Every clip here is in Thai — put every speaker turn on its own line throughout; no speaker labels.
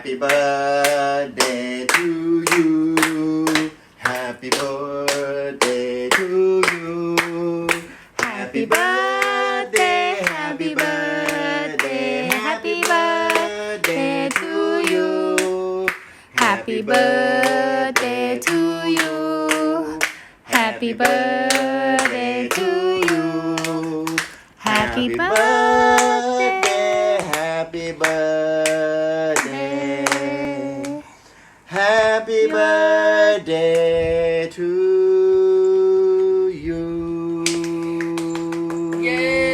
Happy birthday to you Happy birthday to you Happy birthday Happy birthday Happy birthday to you
Happy birthday to you Happy birthday to you Happy birthday
Happy birthday Happy birthday to you
เย้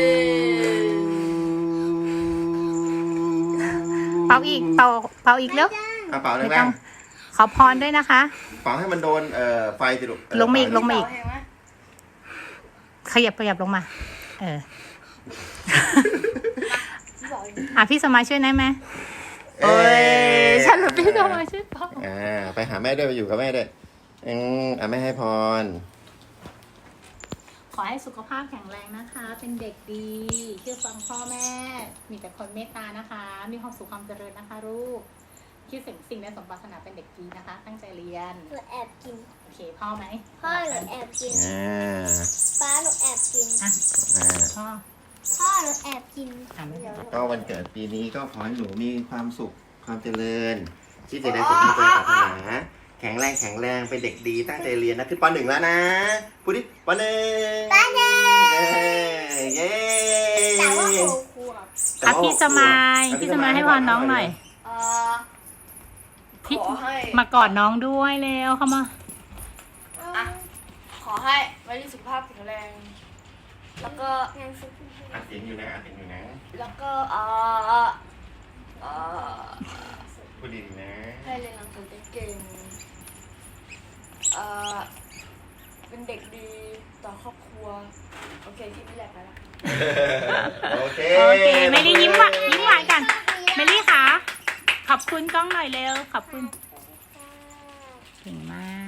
เป่าอีกเป่าอีกแล้ว
เอาเป่า
ไม่
แร
ต้อง งขอพรด้วยนะคะ
ๆเป่าให้มันโดนไฟสิลูก
ลงมาอีกลงมาอีก
เห็นไหม
ขยับลงมา
บอกอีก
พี่สมัยช่วยได้ไหมโอ้ยฉันหรือพี่สมัยช่วยเป่า
ไปหาแม่ด้วยไปอยู่กับแม่ด้วยแม่ให้พร
ขอให้สุขภาพแข็งแรงนะคะ เป็นเด็กดีเชื่อฟังพ่อแม่ มีแต่คนเมตตานะคะ มีความสุขความเจริญนะคะลูกคิดสิ่งในสมปรารถนาเป็นเด็กดีนะคะ ตั้งใจเรียน
หนูแอบกิน
โอเคพ่อไหม
พ่อหนูแอบกิน ป้าหนูแอบกิน
พ่อ
พ่อหนูแอบกิน
ไม่เป็นไร
ก็วันเกิดปีนี้ก็ขอให้หนูมีความสุขความเจริญที่จะได้สมใจปรารถนาแข็งแรงเป็นเด็กดีตั้งใจเรียนนะขึ้นป .1 แล้วนะพูดดิป .1 เย้
แต่ว่าโคขวบ
พี่สมัยให้พรน้องหน่อย พี่
ขอให้
มากอดน้องด้วยเร็วเข้ามา
อ่ะขอให้ไว้ที่สุขภาพแข็งแรง แล้วก็
งานสุด
อัดเสียงอยู่นะ
แล้วก็
พูดดีๆนะ
ให้เรียนหนังสือเก่งๆเป็นเด็กดีต่อครอบครัว โอเคที่นี่แหละไปละ
โอเค
เมลี่ยิ้มหวานกันเมลี่คะขอบคุณกล้องหน่อยเร็วขอบคุณเก่งมาก